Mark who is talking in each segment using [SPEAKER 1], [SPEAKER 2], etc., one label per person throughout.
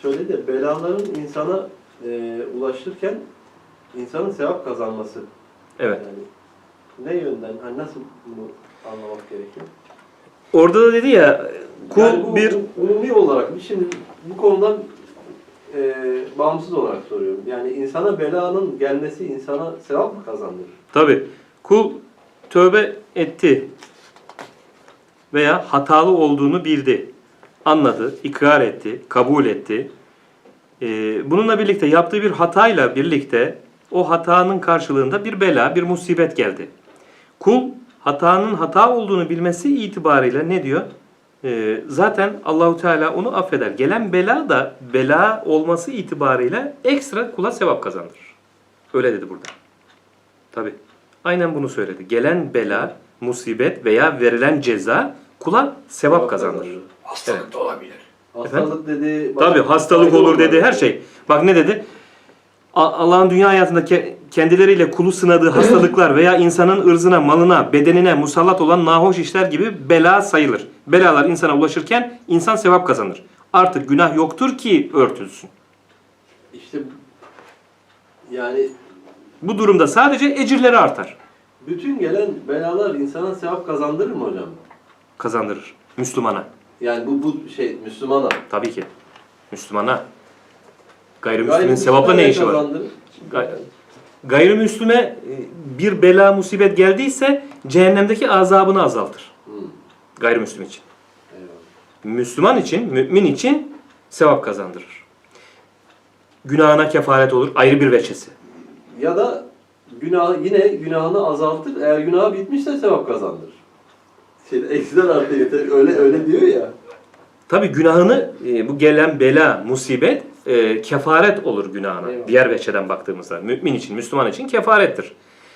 [SPEAKER 1] söyledi de belaların insana ulaşırken insanın sevap kazanması.
[SPEAKER 2] Evet.
[SPEAKER 1] Yani ne yönden, hani nasıl bunu anlamak gerekiyor?
[SPEAKER 2] Orada da dedi ya, kul
[SPEAKER 1] yani bu,
[SPEAKER 2] bir...
[SPEAKER 1] umumi olarak, şimdi bu konudan bağımsız olarak soruyorum. Yani insana belanın gelmesi insana sevap mı kazandırır?
[SPEAKER 2] Tabii. Kul tövbe etti veya hatalı olduğunu bildi, anladı, ikrar etti, kabul etti. Bununla birlikte yaptığı bir hatayla birlikte o hatanın karşılığında bir bela, bir musibet geldi. Kul hatanın hata olduğunu bilmesi itibarıyla ne diyor? Zaten Allahu Teala onu affeder. Gelen bela da bela olması itibarıyla ekstra kula sevap kazandırır. Öyle dedi burada. Tabii. Aynen bunu söyledi. Gelen bela, musibet veya verilen ceza kula sevap kazandırır.
[SPEAKER 3] Hastalık da olabilir.
[SPEAKER 1] Hastalık dedi.
[SPEAKER 2] Tabii hastalık olur dedi, her şey. Bak ne dedi? Allah'ın dünya hayatında kendileriyle kulu sınadığı hastalıklar veya insanın ırzına, malına, bedenine musallat olan nahoş işler gibi bela sayılır. Belalar insana ulaşırken insan sevap kazanır. Artık günah yoktur ki örtülsün.
[SPEAKER 1] İşte yani
[SPEAKER 2] Bu durumda sadece ecirleri artar.
[SPEAKER 1] bütün gelen belalar insana sevap kazandırır mı hocam?
[SPEAKER 2] Kazandırır. Müslümana.
[SPEAKER 1] Yani bu Müslümana.
[SPEAKER 2] Tabii ki. Müslümana. Gayrimüslimin sevapla ne işi var?
[SPEAKER 1] Kazandırır?
[SPEAKER 2] Gayrimüslime bir bela musibet geldiyse cehennemdeki azabını azaltır. Gayrimüslim için.
[SPEAKER 1] Eyvallah.
[SPEAKER 2] Müslüman için, mümin için sevap kazandırır. Günahına kefaret olur, ayrı bir veçesi.
[SPEAKER 1] Ya da yine günahını azaltır. Eğer günahı bitmişse sevap kazandırır. Eksiden artı yeter. Öyle diyor ya.
[SPEAKER 2] Tabii günahını, bu gelen bela, musibet kefaret olur günahına.
[SPEAKER 1] Eyvallah.
[SPEAKER 2] Diğer veçeden baktığımızda. Mümin için, Müslüman için kefarettir.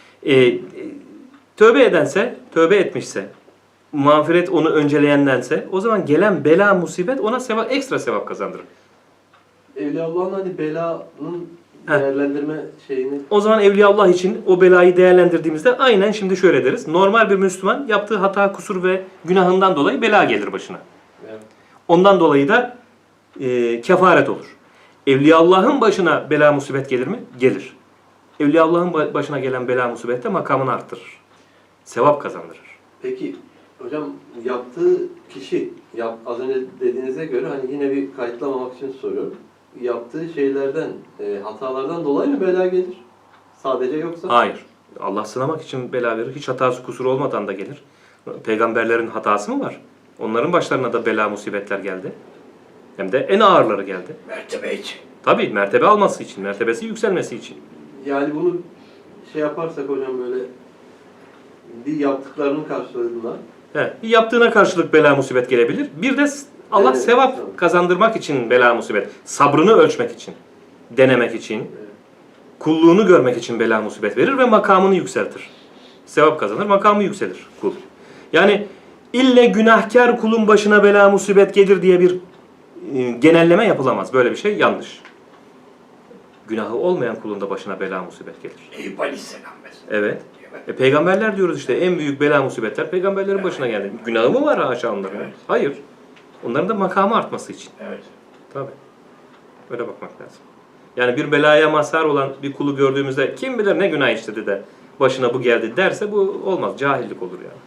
[SPEAKER 2] Tövbe edense, tövbe etmişse, mağfiret onu önceleyendense, o zaman gelen bela, musibet ona ekstra sevap kazandırır.
[SPEAKER 1] Evliyaullah'ın hani belanın değerlendirme şeyini...
[SPEAKER 2] O zaman Evliyaullah için o belayı değerlendirdiğimizde aynen şimdi şöyle deriz. Normal bir Müslüman yaptığı hata, kusur ve günahından dolayı bela gelir başına.
[SPEAKER 1] Evet.
[SPEAKER 2] Ondan dolayı da kefaret olur. Evliyaullah'ın başına bela, musibet gelir mi? Gelir. Evliyaullah'ın başına gelen bela, musibet de makamını arttırır. Sevap kazandırır.
[SPEAKER 1] Peki hocam yaptığı kişi, az önce dediğinize göre hani yine bir kayıtlamamak için soruyorum. Yaptığı şeylerden, hatalardan dolayı mı bela gelir? Sadece yoksa?
[SPEAKER 2] Hayır. Allah sınamak için bela verir. Hiç hatası, kusuru olmadan da gelir. Peygamberlerin hatası mı var? Onların başlarına da bela, musibetler geldi. Hem de en ağırları geldi.
[SPEAKER 3] Mertebe için.
[SPEAKER 2] Tabii mertebe alması için, mertebesi yükselmesi için.
[SPEAKER 1] Yani bunu şey yaparsak hocam böyle bir yaptıklarının karşılığında
[SPEAKER 2] Bir yaptığına karşılık bela, musibet gelebilir. Bir de Allah
[SPEAKER 1] Evet,
[SPEAKER 2] sevap
[SPEAKER 1] tabii.
[SPEAKER 2] kazandırmak için bela, musibet. Sabrını ölçmek için, denemek için, kulluğunu görmek için bela, musibet verir ve makamını yükseltir. Sevap kazanır, makamı yükselir kul. Yani ille günahkar kulun başına bela, musibet gelir diye bir genelleme yapılamaz. Böyle bir şey yanlış. Günahı olmayan kulun da başına bela, musibet gelir.
[SPEAKER 3] Eyüp Aleyhisselam mesela.
[SPEAKER 2] Evet. Peygamberler diyoruz işte, en büyük bela, musibetler peygamberlerin başına geldi. Günahı mı var haşa onların?
[SPEAKER 3] Evet.
[SPEAKER 2] Hayır. Onların da makamı artması için.
[SPEAKER 3] Evet.
[SPEAKER 2] Tabii. Öyle bakmak lazım. Yani bir belaya mazhar olan bir kulu gördüğümüzde kim bilir ne günah işledi de başına bu geldi derse bu olmaz. Cahillik olur yani.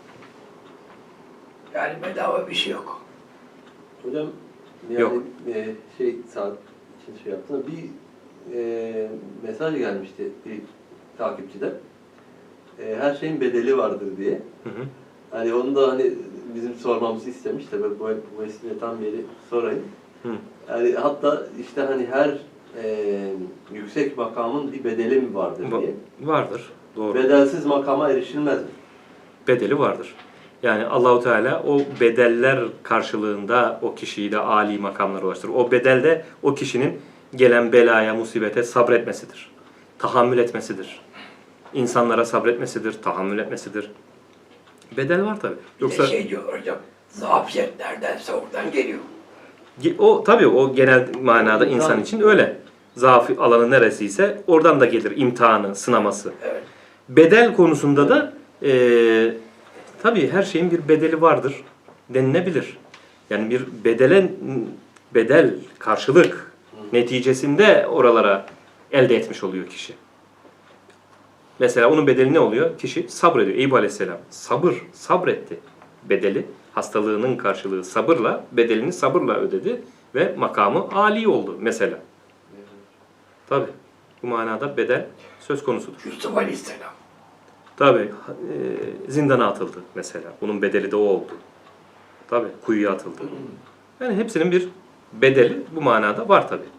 [SPEAKER 3] Yani bedava bir şey yok.
[SPEAKER 1] hocam yani
[SPEAKER 2] Yok.
[SPEAKER 1] saat için şey yaptığında bir mesaj gelmişti bir takipçiden. Her şeyin bedeli vardır diye.
[SPEAKER 2] Hı hı.
[SPEAKER 1] Hani onu da hani bizim sormamızı istemiş de ben bu vesileyle tam yeri sorayım.
[SPEAKER 2] Hı.
[SPEAKER 1] Yani hatta işte hani her yüksek makamın bir bedeli mi vardır diye.
[SPEAKER 2] Vardır. Doğru.
[SPEAKER 1] Bedelsiz makama erişilmez mi?
[SPEAKER 2] Bedeli vardır. Yani Allahu Teala o bedeller karşılığında o kişiyi de âli makamlara ulaştırır. O bedel de o kişinin gelen belaya, musibete sabretmesidir. Tahammül etmesidir. İnsanlara sabretmesidir, tahammül etmesidir. Bedel var tabii.
[SPEAKER 3] Yoksa şey diyor hocam, zafiyet neredense oradan geliyor.
[SPEAKER 2] O tabii o genel manada insan için öyle. Zaaf alanı neresiyse oradan da gelir imtihanı, sınaması.
[SPEAKER 3] Evet.
[SPEAKER 2] Bedel konusunda da tabii her şeyin bir bedeli vardır denilebilir. Yani bir bedel, karşılık neticesinde oralara elde etmiş oluyor kişi. Mesela onun bedeli ne oluyor? Kişi sabrediyor. Eyüp Aleyhisselam sabretti. Bedeli, hastalığının karşılığı sabırla, bedelini sabırla ödedi ve makamı âli oldu mesela. Tabi bu manada bedel söz konusudur.
[SPEAKER 3] Yusuf Aleyhisselam.
[SPEAKER 2] Tabi zindana atıldı mesela. Bunun bedeli de o oldu. Tabi kuyuya atıldı. Yani hepsinin bir bedeli bu manada var tabi.